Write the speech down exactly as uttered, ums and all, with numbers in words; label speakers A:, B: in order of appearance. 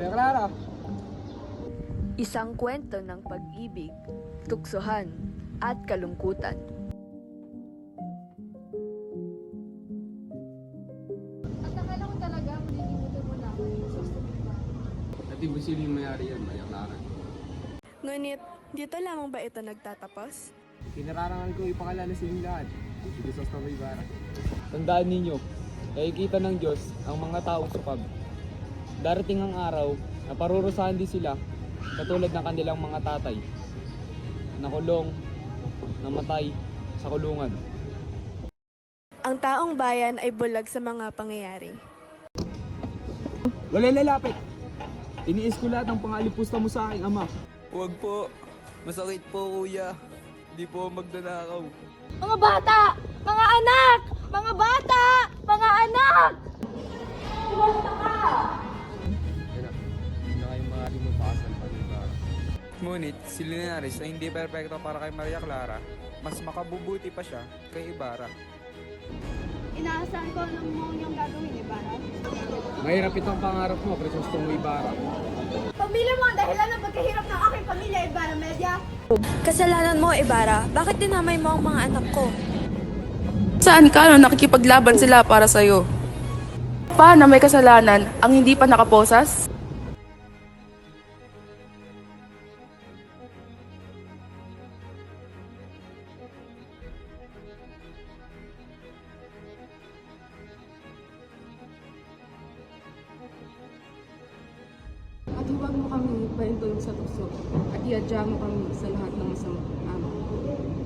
A: Maria Clara.
B: Isang kwento ng pag-ibig, tuksohan, at kalungkutan.
C: At akala ko talaga malilimutan mo na ako.
A: At di ba sila yung mayari yan, Maria Clara?
D: Ngunit, dito lamang ba ito nagtatapos?
A: Kinararangan ko ipakilala sa inyong lahat. Si Crisostomo Ibarra. Tandaan ninyo, nakikita ng Diyos ang mga taong sukab. Darating ang araw na parurusahan din sila katulad ng kanilang mga tatay. Nakulong, namatay sa kulungan.
D: Ang taong bayan ay bulag sa mga pangyayari.
A: Wala lalapit! Iniis ko lahat ng pangalipusta mo sa aking ama.
E: Huwag po. Masakit po, kuya. Hindi po magdanakaw.
C: Mga bata! Mga anak! Mga bata! Mga anak! Kumasta ka!
A: Yan na, hindi na kayo makalimutan pa rin ba?
E: Ngunit, si Linares ay hindi perpekto para kay Maria Clara. Mas makabubuti pa siya kay Ibarra.
C: Inaasahan ko anong mo yung gagawin, Ibarra.
A: Mahirap itong pangarap mo, Crisostomo Ibarra.
C: Pamilya mo ang dahilan ng pagkahirap ng aking pamilya, Ibarra Media.
D: Kasalanan mo, Ibarra. Bakit dinamay mo ang mga anak ko?
F: Saan ka no nakikipaglaban sila para sa'yo? Paano may kasalanan ang hindi pa nakaposas?
G: At huwag mo kami pahintulog sa tukso at iadya mo kami sa lahat ng masamang amaw.